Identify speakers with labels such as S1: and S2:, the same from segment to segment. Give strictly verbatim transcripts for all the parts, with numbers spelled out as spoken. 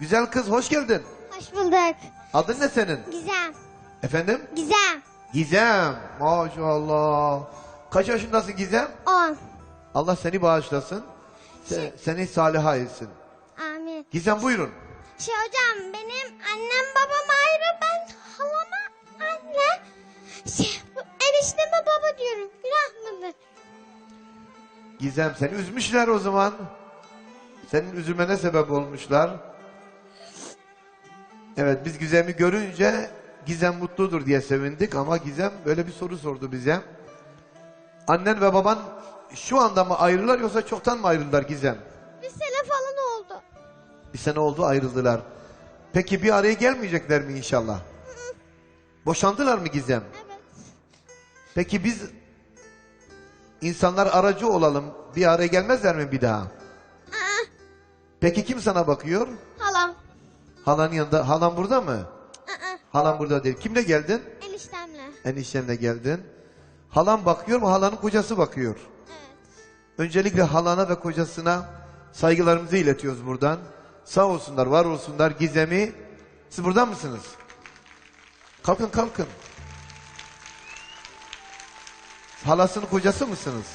S1: Güzel kız, hoş geldin.
S2: Hoş bulduk.
S1: Adın ne senin?
S2: Gizem.
S1: Efendim?
S2: Gizem.
S1: Gizem. Maşallah. Kaç yaşındasın Gizem?
S2: On.
S1: Allah seni bağışlasın. Se seni saliha etsin.
S2: Amin.
S1: Gizem buyurun.
S2: Şey hocam, benim annem babam ayrı, ben halama anne. Şey, bu enişteme baba diyorum. Günah mıdır?
S1: Gizem seni üzmüşler o zaman. Senin üzülmene sebep olmuşlar. Evet, biz Gizem'i görünce Gizem mutludur diye sevindik ama Gizem böyle bir soru sordu bize. Annen ve baban şu anda mı ayrılar yoksa çoktan mı ayrıldılar Gizem?
S2: Bir sene falan oldu.
S1: Bir sene oldu ayrıldılar. Peki bir araya gelmeyecekler mi inşallah? Boşandılar mı Gizem?
S2: Evet.
S1: Peki biz insanlar aracı olalım, bir araya gelmezler mi bir daha?
S2: Aa,
S1: Peki kim sana bakıyor?
S2: halam.
S1: Halanın yanında. Halan burada mı?
S2: Aa,
S1: Halan burada değil. Kimle geldin?
S2: eniştemle.
S1: Eniştemle geldin. Halan bakıyor mu? Halanın kocası bakıyor.
S2: Evet.
S1: Öncelikle halana ve kocasına saygılarımızı iletiyoruz buradan. Sağ olsunlar, var olsunlar. Gizem'i, siz buradan mısınız? Kalkın kalkın. Halasının kocası mısınız?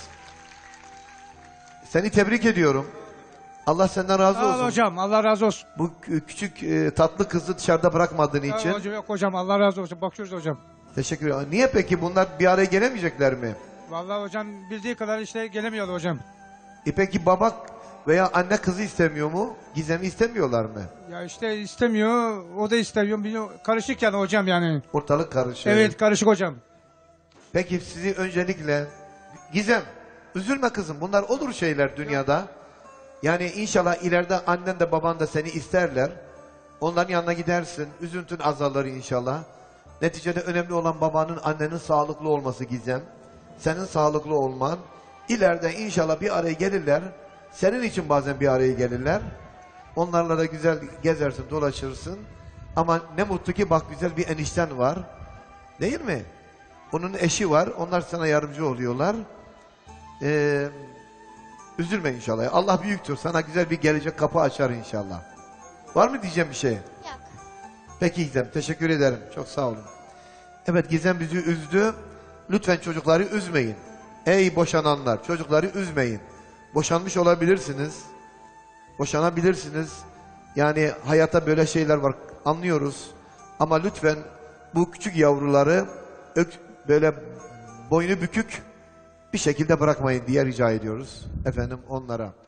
S1: Seni tebrik ediyorum. Allah senden razı
S3: Sağ ol
S1: olsun.
S3: hocam, Allah razı olsun.
S1: Bu kü- küçük e, tatlı kızı dışarıda bırakmadığın
S3: Sağ ol
S1: için.
S3: hocam, yok hocam, Allah razı olsun. Bakıyoruz hocam.
S1: Teşekkür ederim. Niye peki bunlar bir araya gelemeyecekler mi?
S3: Vallahi hocam bildiği kadar işte gelemiyordu hocam.
S1: E peki baba veya anne kızı istemiyor mu? Gizem'i istemiyorlar mı?
S3: Ya işte istemiyor, o da istemiyor. Biliyor, karışık yani hocam yani.
S1: Ortalık karışık.
S3: Evet, karışık hocam.
S1: Peki sizi öncelikle Gizem, üzülme kızım. Bunlar olur şeyler dünyada. Yani inşallah ileride annen de baban da seni isterler. Onların yanına gidersin. Üzüntün azalır inşallah. Neticede önemli olan babanın, annenin sağlıklı olması Gizem. Senin sağlıklı olman. İleride inşallah bir araya gelirler. Senin için bazen bir araya gelirler. Onlarla da güzel gezersin, dolaşırsın. Ama ne mutlu ki bak güzel bir enişten var. Değil mi? Onun eşi var. Onlar sana yardımcı oluyorlar. Ee, üzülme inşallah. Allah büyüktür. Sana güzel bir gelecek kapı açar inşallah. Var mı diyeceğim bir şey?
S2: Yok.
S1: Peki Gizem. Teşekkür ederim. Çok sağ olun. Evet Gizem bizi üzdü. Lütfen çocukları üzmeyin. Ey boşananlar. Çocukları üzmeyin. Boşanmış olabilirsiniz. Boşanabilirsiniz. Yani hayatta böyle şeyler var. Anlıyoruz. Ama lütfen bu küçük yavruları ök, böyle boynu bükük bir şekilde bırakmayın diye rica ediyoruz efendim onlara.